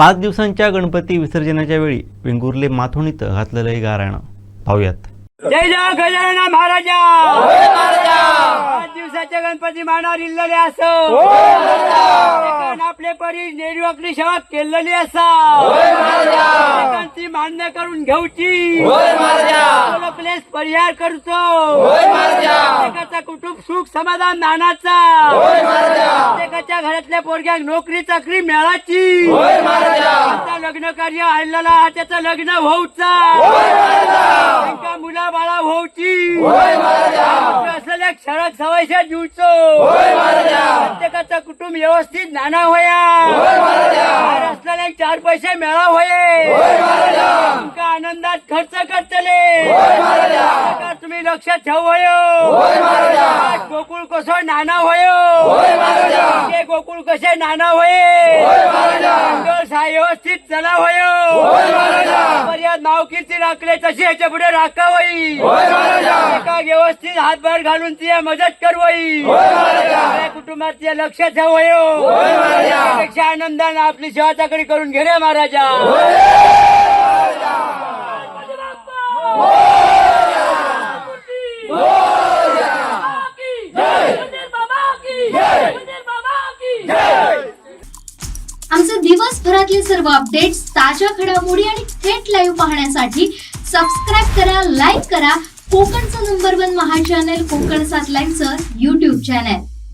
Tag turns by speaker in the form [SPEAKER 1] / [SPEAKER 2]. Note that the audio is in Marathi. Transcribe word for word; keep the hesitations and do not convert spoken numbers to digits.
[SPEAKER 1] पाच दिवसांच्या गणपती विसर्जनाच्या वेळी वेंगुर्ले माथुणीत घातलेलं हे गाराणं पाहूयात.
[SPEAKER 2] जय जय गजानन महाराजा. पाच दिवसाचे गणपती मानावर इल्लेले असो. आपले परी नेरवाकली सेवा केलेली असा. मान्य करून घेऊची. प्लेस परिहार करतो. प्रत्येकाचा कुटुंब सुख समाधान नानाचा. प्रत्येकाच्या घरातल्या पोरग्याक नोकरी चाकरी मिळाची. त्याचा लग्न कार्य आणलेला त्याचं लग्न होऊचा. त्यांच्या मुला बाळा होऊची. असलेल्या क्षरक सवयशा जीवचो. प्रत्येकाचा कुटुंब व्यवस्थित नाना होया. असलेल्या चार पैसे मिळा होये. तुमका आनंदात खर्च करतले. तुम्ही लक्षात ठेवयो. गोकुळ कसं नाना होयो. गोकुळ कसे नाना होये. व्यवस्थित चला होयो. मर्याद नाव कीर्ती राखले तशी ह्याच्या पुढे राखावई. एका व्यवस्थित हातभार घालून ती मदत करवई. कुटुंबात ते लक्षात ठेवयो. त्यापेक्षा आनंदाने आपली सेवा चाकरी करून घेणे महाराजा.
[SPEAKER 3] आमचे दिवसभरातले सर्व अपडेट्स, ताज्या घडामोडी आणि थेट लाईव्ह पाहण्यासाठी सबस्क्राईब करा, लाईक करा कोकणचं नंबर वन महा चॅनल कोकण सात लाईव्हचं युट्यूब चॅनल.